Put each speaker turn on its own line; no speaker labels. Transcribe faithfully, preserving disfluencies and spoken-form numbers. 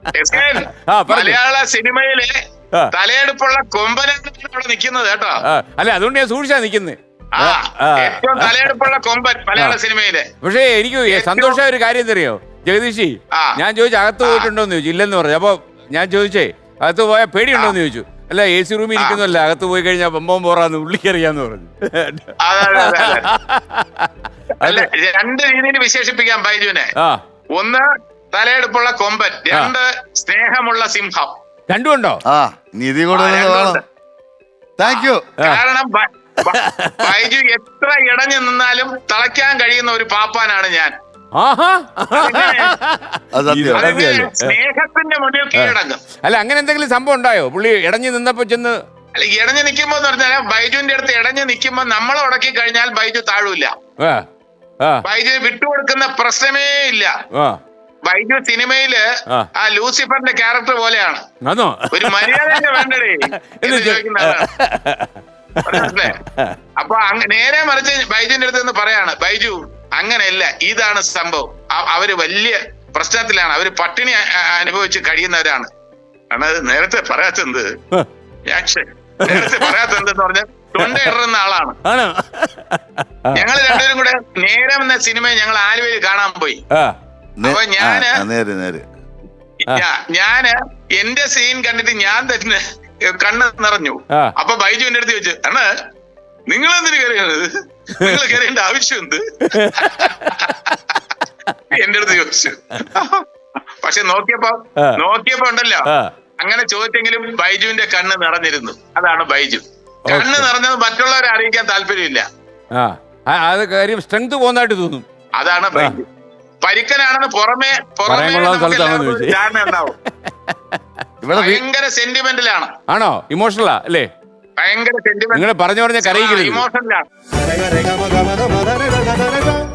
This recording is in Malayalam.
മലയാള സിനിമയിലെ തലയെടുപ്പുള്ള കൊമ്പനാണ് ഇവിടെ നിൽക്കുന്നത് കേട്ടോ.
അല്ല അതുകൊണ്ട് ഞാൻ സൂക്ഷിച്ചാ നിക്കുന്നത്.
ഏറ്റവും തലയെടുപ്പുള്ള കൊമ്പൻ മലയാള സിനിമയിലെ.
പക്ഷേ എനിക്ക് സന്തോഷമായ ഒരു കാര്യം തരുമോ ജഗദീഷി? ഞാൻ ചോദിച്ചു അകത്ത് പോയിട്ടുണ്ടോന്ന് ചോദിച്ചു. ഇല്ലെന്ന് പറഞ്ഞു. അപ്പൊ ഞാൻ ചോദിച്ചേ അകത്ത് പോയാൽ പേടിയുണ്ടോന്ന് ചോദിച്ചു. അല്ല എ സി റൂമിൽ ഇരിക്കുന്നല്ല, അകത്ത് പോയി കഴിഞ്ഞാൽ ബമ്പം പോറാന്ന് ഉള്ളിക്കറിയാന്ന് പറഞ്ഞു.
രണ്ട് രീതിയിൽ വിശേഷിപ്പിക്കാം ബൈജുവിനെ. ഒന്ന് തലയെടുപ്പുള്ള കൊമ്പൻ, രണ്ട് സ്നേഹമുള്ള സിംഹം.
രണ്ടും ഉണ്ടോ?
കാരണം ബൈജു എത്ര ഇടഞ്ഞു നിന്നാലും തളയ്ക്കാൻ കഴിയുന്ന ഒരു പാപ്പാനാണ് ഞാൻ. സ്നേഹത്തിന്റെ മുന്നിൽ കീഴടങ്ങും.
അല്ല അങ്ങനെ എന്തെങ്കിലും സംഭവം ഉണ്ടായോ പുള്ളി ഇടഞ്ഞു നിന്നപ്പോ ചെന്ന്?
അല്ല ഇടഞ്ഞു നിൽക്കുമ്പോ എന്ന് പറഞ്ഞാൽ ബൈജുവിന്റെ അടുത്ത് ഇടഞ്ഞു നിൽക്കുമ്പോ നമ്മളെ ഉടക്കി കഴിഞ്ഞാൽ ബൈജു താഴൂല. ബൈജു വിട്ടുകൊടുക്കുന്ന പ്രശ്നമേ ഇല്ല. ബൈജു സിനിമയില് ആ ലൂസിഫറിന്റെ ക്യാരക്ടർ പോലെയാണ്. ഒരു മര്യാദ വേണ്ടടേ എന്ന് ചോദിക്കുന്നതാണ്. അപ്പൊ നേരെ മറിച്ച് ബൈജുവിന്റെ അടുത്ത് നിന്ന് പറയാണ്, ബൈജു അങ്ങനെയല്ല, ഇതാണ് സംഭവം. അവര് വലിയ പ്രശ്നത്തിലാണ്, അവര് പട്ടിണി അനുഭവിച്ച് കഴിയുന്നവരാണ്. കാരണം നേരത്തെ പറയാത്തത് ഞാൻ നേരത്തെ പറയാത്തതെന്ന് പറഞ്ഞാൽ തൊണ്ടയിടുന്ന ആളാണ്. ഞങ്ങൾ രണ്ടുപേരും കൂടെ നേരം എന്ന സിനിമ ഞങ്ങൾ ആലുവയിൽ കാണാൻ പോയി. അപ്പൊ ഞാന് ഞാന് എന്റെ സീൻ കണ്ടിട്ട് ഞാൻ തന്നെ കണ്ണ് നിറഞ്ഞു. അപ്പൊ ബൈജു എന്റെ അടുത്ത് ചോദിച്ചു, അണ്ണ നിങ്ങൾ എന്തിനു കയറിയത്, നിങ്ങൾ കയറേണ്ട ആവശ്യം എന്ത് എന്റെ അടുത്ത് ചോദിച്ചു. പക്ഷെ നോക്കിയപ്പോ നോക്കിയപ്പോ ഉണ്ടല്ലോ, അങ്ങനെ ചോദിച്ചെങ്കിലും ബൈജുവിന്റെ കണ്ണ് നിറഞ്ഞിരുന്നു. അതാണ് ബൈജു. കണ്ണ് നിറഞ്ഞത് മറ്റുള്ളവരെ അറിയിക്കാൻ താല്പര്യമില്ല.
സ്ട്രെങ്ത് പോകുന്നതായിട്ട് തോന്നും.
അതാണ് ബൈജു. പരിക്കനാണെന്ന് പുറമെ പുറമെ ധാരണ ഉണ്ടാവും. ഭയങ്കര സെന്റിമെന്റിലാണ്.
ആണോ? ഇമോഷണലാ അല്ലേ?
ഭയങ്കര സെന്റിമെന്റ്.
നിങ്ങൾ പറഞ്ഞു പറഞ്ഞ കരയിക്കരുത്.
ഇമോഷണലാണ്.